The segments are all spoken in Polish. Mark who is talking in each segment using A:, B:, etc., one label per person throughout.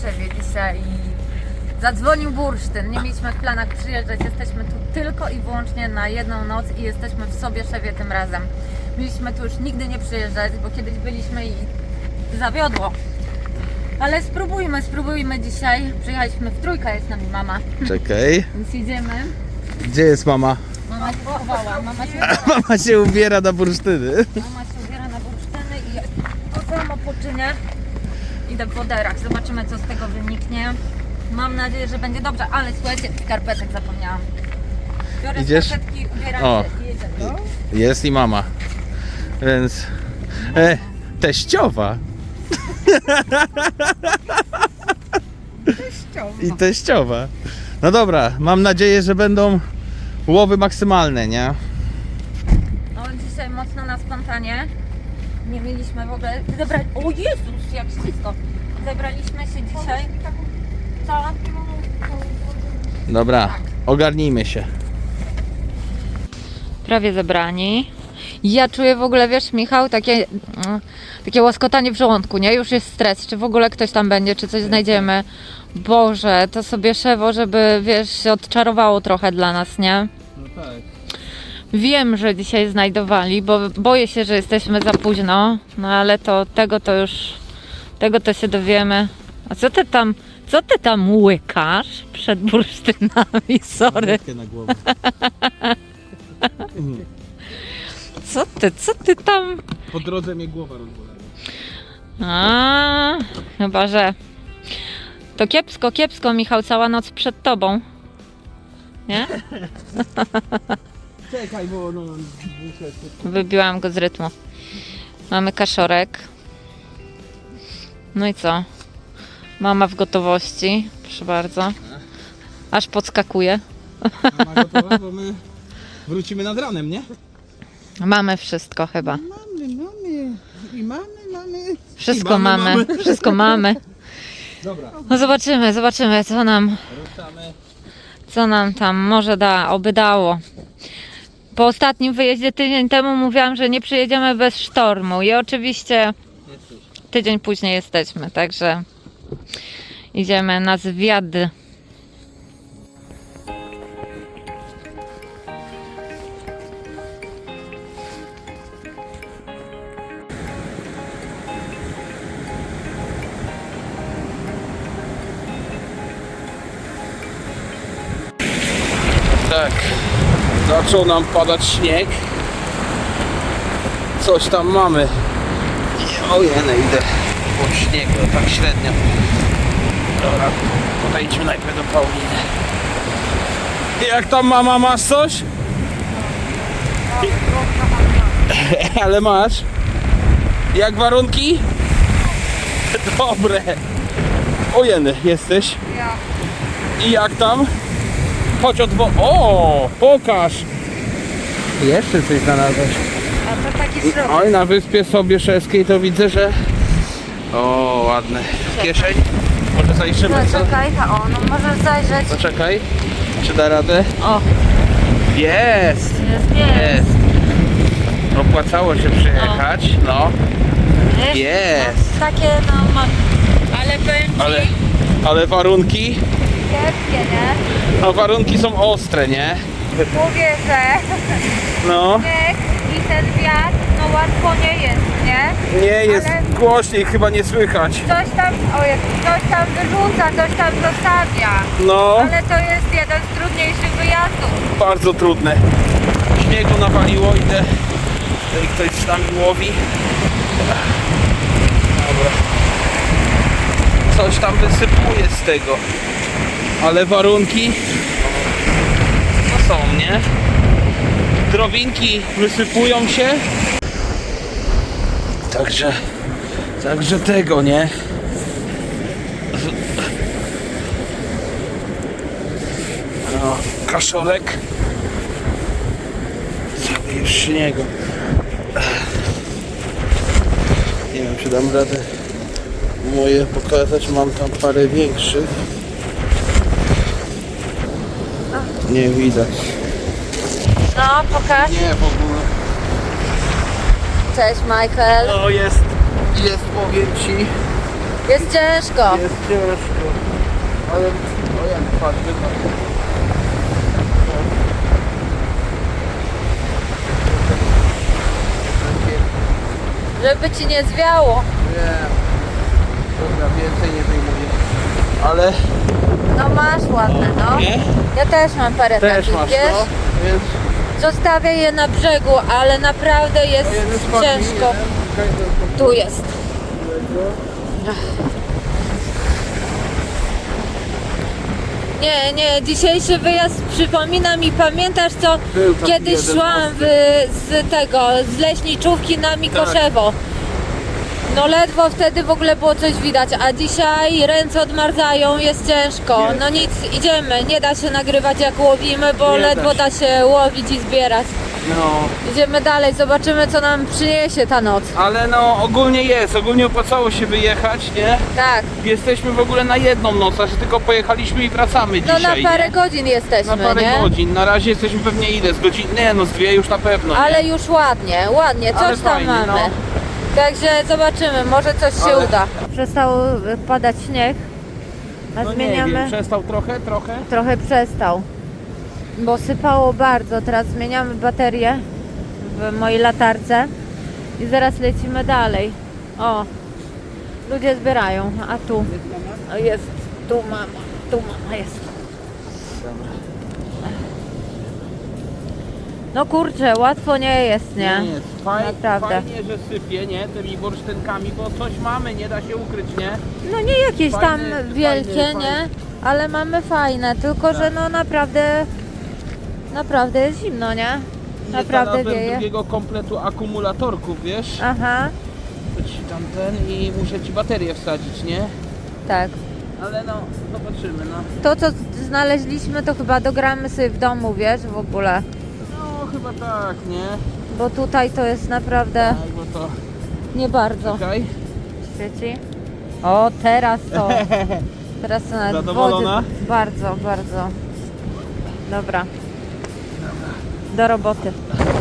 A: Warszawie dzisiaj i zadzwonił bursztyn. Nie mieliśmy w planach przyjeżdżać, jesteśmy tu tylko i wyłącznie na jedną noc i jesteśmy w Sobieszewie tym razem. Mieliśmy tu już nigdy nie przyjeżdżać, bo kiedyś byliśmy i zawiodło. Ale spróbujmy dzisiaj. Przyjechaliśmy w trójkę, jest z nami mama,
B: Czekaj.
A: więc idziemy.
B: Gdzie jest mama?
A: Mama się schowała,
B: Mama się ubiera na bursztyny.
A: Mama się ubiera na bursztyny i ja to samo poczynię. Idę po derach, zobaczymy co z tego wyniknie. Mam nadzieję, że będzie dobrze, ale słuchajcie, skarpetek zapomniałam. Biorę
B: Idziesz?
A: skarpetki, ubieram
B: O.
A: się i jedziemy.
B: Jest i mama. Więc... teściowa. I teściowa. No dobra, mam nadzieję, że będą łowy maksymalne, nie?
A: No dzisiaj mocno na spontanie. Nie mieliśmy w ogóle zebrać. O Jezus, jak ślisko. Zebraliśmy się dzisiaj. Co?
B: Dobra, ogarnijmy się.
A: Prawie zebrani. Ja czuję w ogóle, wiesz, Michał, takie łaskotanie w żołądku, nie? Już jest stres, czy w ogóle ktoś tam będzie, czy coś znajdziemy. Boże, to sobie szewo, żeby, wiesz, się odczarowało trochę dla nas, nie?
B: No tak.
A: Wiem, że dzisiaj znajdowali, bo boję się, że jesteśmy za późno, no ale tego to się dowiemy. A co ty tam łykasz przed bursztynami, sorry.
B: Na głowę.
A: Co ty tam?
B: Po drodze mnie głowa rozbolała.
A: A, chyba że to kiepsko, Michał, cała noc przed tobą. Nie?
B: Czekaj, bo no...
A: Wybiłam go z rytmu. Mamy kaszorek. No i co? Mama w gotowości. Proszę bardzo. Aż podskakuje.
B: Mama gotowa, bo my wrócimy nad ranem, nie?
A: Mamy wszystko chyba.
B: Mamy.
A: Wszystko
B: I mamy.
A: Wszystko mamy.
B: Dobra,
A: No zobaczymy
B: ruszamy.
A: co nam tam może oby dało. Po ostatnim wyjeździe tydzień temu mówiłam, że nie przyjedziemy bez sztormu i oczywiście tydzień później jesteśmy, także idziemy na zwiad.
B: Tak, zaczął nam padać śnieg. Coś tam mamy. Ojej, idę po śniegu, tak średnio. Dobra, podejdźmy najpierw do Pauliny. Jak tam mama, masz coś? Ale masz? Jak warunki? Dobre. Ojeny, jesteś?
A: Ja.
B: I jak tam? Chodź O, pokaż! Jeszcze coś znalazłeś.
A: A to taki środek.
B: Oj, na Wyspie Sobieszewskiej to widzę, że... O, ładne. Kieszeń? Może zajrzymy, co?
A: Czekaj, no możesz zajrzeć.
B: Poczekaj. Czy da radę?
A: O,
B: Jest!
A: jest.
B: Opłacało się przyjechać, no. Jest.
A: No, takie ale powiem ci,
B: Ale warunki?
A: kiepskie, nie?
B: No warunki są ostre, nie?
A: Mówię, że
B: No.
A: śnieg i ten wiatr, no łatwo nie jest, nie?
B: Nie, jest
A: Ale
B: głośniej, chyba nie słychać.
A: coś tam wyrzuca, coś tam zostawia.
B: No.
A: Ale to jest jeden z trudniejszych wyjazdów.
B: Bardzo trudne. Śniegu nawaliło, idę. Tutaj ktoś z nami łowi. Dobra. Coś tam wysypuje z tego. Ale warunki no są, nie? Drobinki wysypują się. Także tego, nie? No, kaszorek. Cały już śniegu. Nie wiem, czy dam radę moje pokazać. Mam tam parę większych. Nie widać.
A: No, pokaż.
B: Nie, w ogóle.
A: Cześć, Michael.
B: No jest, powiem ci,
A: Jest ciężko.
B: Jest ciężko. Ale o jak patrz,
A: Żeby ci nie zwiało.
B: nie. Dobra, więcej nie wyjmuję. Ale
A: No masz ładne, no.
B: nie?
A: Ja też mam parę
B: Też
A: takich,
B: masz,
A: wiesz?
B: no. Więc
A: Zostawię je na brzegu, ale naprawdę jest
B: jeden spadł mi,
A: ciężko.
B: jeden.
A: Tu jest. Nie, dzisiejszy wyjazd przypomina mi, pamiętasz co
B: Był taki
A: kiedyś
B: jeden
A: szłam z leśniczówki na Mikoszewo. No ledwo wtedy w ogóle było coś widać, a dzisiaj ręce odmarzają, jest ciężko.
B: Jest.
A: No nic, idziemy, nie da się nagrywać jak łowimy, bo
B: Nie da
A: ledwo
B: się.
A: da się łowić i zbierać.
B: No,
A: Idziemy dalej, zobaczymy co nam przyniesie ta noc.
B: ale no ogólnie opłacało się wyjechać, nie?
A: Tak,
B: Jesteśmy w ogóle na jedną noc, a że tylko pojechaliśmy i wracamy
A: no
B: dzisiaj,
A: na parę
B: nie?
A: godzin jesteśmy,
B: Na parę
A: nie?
B: godzin, na razie jesteśmy pewnie ile? Z godzin? Nie no, z dwie już na pewno, nie?
A: Ale już ładnie, coś
B: Ale
A: tam
B: fajnie,
A: mamy.
B: no.
A: Także zobaczymy, może coś się
B: Ale-
A: uda. Przestał padać śnieg, a
B: No nie
A: zmieniamy.
B: wiem, przestał trochę?
A: Trochę przestał, bo sypało bardzo. Teraz zmieniamy baterię w mojej latarce i zaraz lecimy dalej. O, ludzie zbierają, a tu jest, tu mama jest. No kurczę, łatwo nie jest, nie?
B: Nie jest.
A: Naprawdę.
B: Fajnie, że sypie, nie? Tymi bursztynkami, bo coś mamy, nie da się ukryć, nie?
A: No nie jakieś tam
B: Fajne,
A: wielkie,
B: fajne,
A: nie?
B: fajne.
A: Ale mamy fajne, tylko że no naprawdę jest zimno, nie? Naprawdę
B: Nie znalazłem
A: wieje.
B: drugiego kompletu akumulatorków, wiesz?
A: Aha,
B: To ci tamten i muszę ci baterię wsadzić, nie?
A: tak.
B: Ale no, zobaczymy, no.
A: To co znaleźliśmy to chyba dogramy sobie w domu, wiesz, w ogóle.
B: No, chyba tak, nie?
A: Bo tutaj to jest naprawdę
B: Tak, bo to...
A: nie bardzo
B: Czekaj.
A: świeci. O, teraz to. Teraz to nawet
B: Zadowolona?
A: wody. Bardzo. Dobra. Do roboty.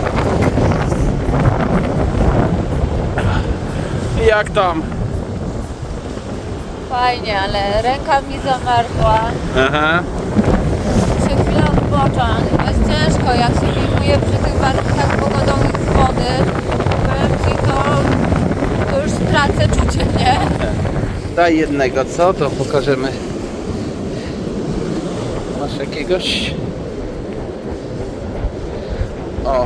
B: Jak tam?
A: Fajnie, ale ręka mi zamarzła.
B: Aha.
A: Muszę chwilę odpocząć. Jest ciężko, jak się filmuje przy tych warunkach pogodowych z wody. Powiem ci, to już tracę czucie, nie?
B: Daj jednego, co? To pokażemy. Masz jakiegoś? O.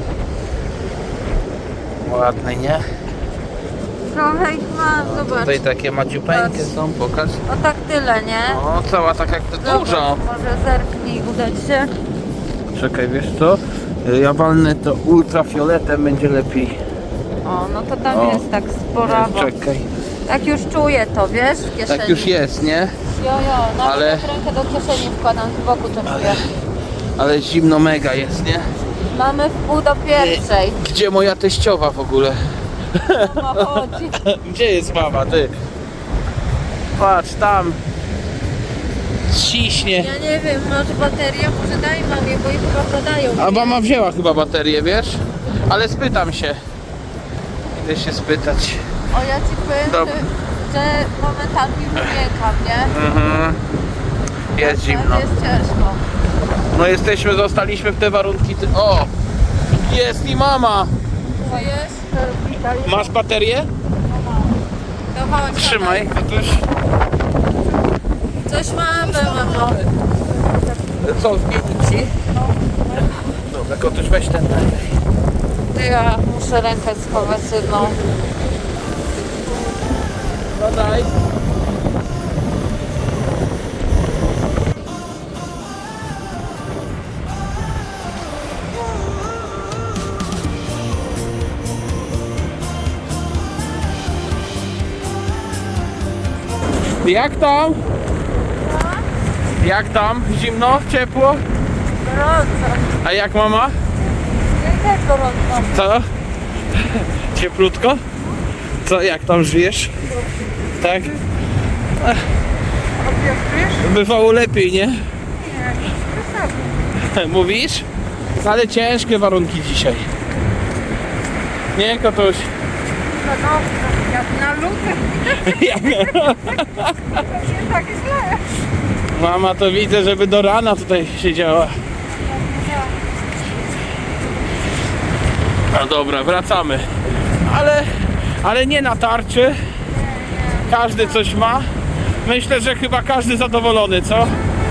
B: Ładny, nie?
A: Trochę ich mam, zobacz.
B: Tutaj takie madziupeńkie
A: Patrz.
B: są, pokaż.
A: O tak tyle, nie?
B: O, cała tak jak to
A: Zobacz,
B: dużo.
A: może zerknij, uda ci się.
B: Czekaj, wiesz co? Ja walnę to ultrafioletem, będzie lepiej.
A: O, no to tam
B: O.
A: jest tak sporawo.
B: Czekaj.
A: Tak już czuję to, wiesz, w kieszeni.
B: Tak już jest, nie?
A: Jo, nawet
B: Ale-
A: jak rękę do kieszeni wkładam, z boku to czuję.
B: Ale zimno mega jest, nie?
A: Mamy w pół do pierwszej.
B: Gdzie moja teściowa w ogóle?
A: Mama chodzi.
B: Gdzie jest mama, ty? Patrz, tam. Ciśnie.
A: Ja nie wiem, masz baterię? Może daj mamie, bo jej chyba podają.
B: A mama wzięła chyba baterię, wiesz? Ale spytam się. Idę się spytać.
A: O, ja ci powiem,
B: Dobra.
A: że momentami wymiękam, nie?
B: Mhm. Jest zimno.
A: Jest ciężko.
B: No jesteśmy, zostaliśmy w te warunki. O! Jest i mama!
A: To jest?
B: Masz baterię?
A: To chodź,
B: Trzymaj. Ktoś...
A: Coś mamy, mamo.
B: Co, zmienić ci? Dobra, kotuś weź ten dalej.
A: Ja muszę rękę schować jedną.
B: No daj. Jak tam? Jak tam? Zimno? Ciepło?
A: Gorąco.
B: A jak mama?
A: Ja i tak gorąco.
B: Co? Cieplutko? Co, jak tam żyjesz? Tak? Bywało lepiej, nie? Mówisz? Ale ciężkie warunki dzisiaj. Nie, Kotuś?
A: No, jak Na luty. Nie tak źle.
B: Mama to widzę, żeby do rana tutaj siedziała. No dobra, wracamy. Ale nie na tarczy. Każdy coś ma. Myślę, że chyba każdy zadowolony, co?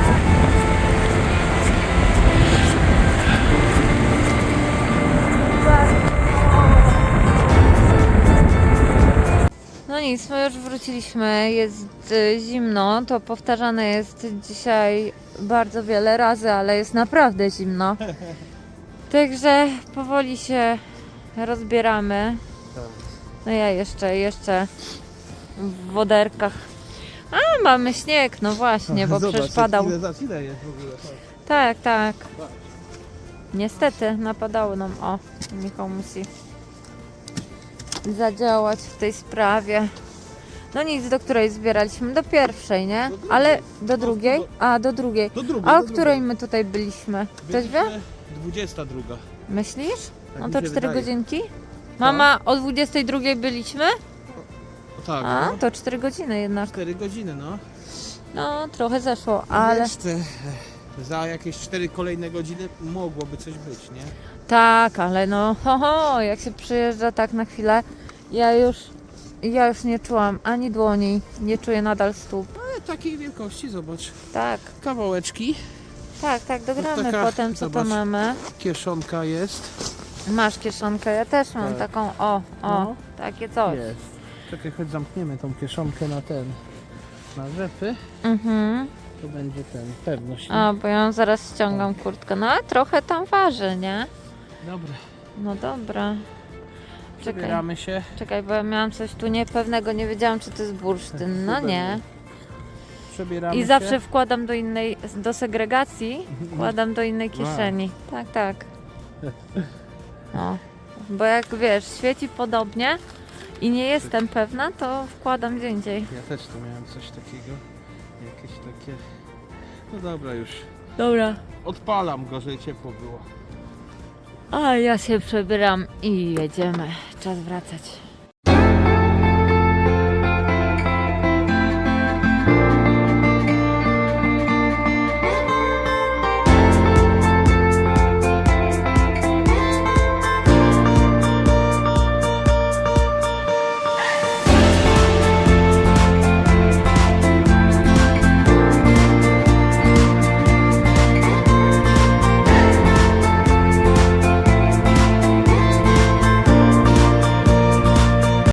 A: No nic, my już wróciliśmy, jest zimno, to powtarzane jest dzisiaj bardzo wiele razy, ale jest naprawdę zimno. Także powoli się rozbieramy. No ja jeszcze w woderkach. A, mamy śnieg, no właśnie, bo przecież padał.
B: Ile jest w ogóle?
A: Tak. Niestety napadało nam. O, Michał musi zadziałać w tej sprawie. No nic, do której zbieraliśmy? Do pierwszej, nie? Ale do drugiej? A, do drugiej. A o której my tutaj byliśmy? Ktoś wie?
B: 22.
A: Myślisz?
B: Tak
A: No
B: mi
A: to
B: się
A: 4
B: wydaje.
A: godzinki? Mama, o 22 byliśmy?
B: Tak,
A: A, to 4 godziny jednak.
B: 4 godziny, no.
A: No, trochę zeszło, ale...
B: Jeszcze za jakieś 4 kolejne godziny mogłoby coś być, nie?
A: Tak, ale no, jak się przyjeżdża tak na chwilę, ja już nie czułam ani dłoni, nie czuję nadal stóp.
B: Ale takiej wielkości, zobacz.
A: Tak,
B: Kawałeczki,
A: dogramy
B: taka,
A: potem, co
B: zobacz.
A: to mamy.
B: kieszonka jest.
A: Masz kieszonkę, ja też mam
B: Tak.
A: taką,
B: No.
A: takie coś.
B: Jest. Czekaj, choć zamkniemy tą kieszonkę na rzepy.
A: Mhm.
B: To będzie pewność.
A: A, bo ja zaraz ściągam kurtkę. No, a trochę tam waży, nie?
B: Dobra,
A: No dobra.
B: przebieramy się.
A: Czekaj, bo ja miałam coś tu niepewnego, nie wiedziałam, czy to jest bursztyn. No nie.
B: Przebieramy
A: I
B: się.
A: zawsze wkładam do segregacji, wkładam do innej kieszeni. Tak. No. Bo jak wiesz, świeci podobnie i nie jestem pewna, to wkładam gdzie indziej.
B: Ja też tu miałem coś takiego. Jakieś takie... No dobra już.
A: Dobra.
B: Odpalam go, żeby ciepło było.
A: A ja się przebieram i jedziemy. Czas wracać.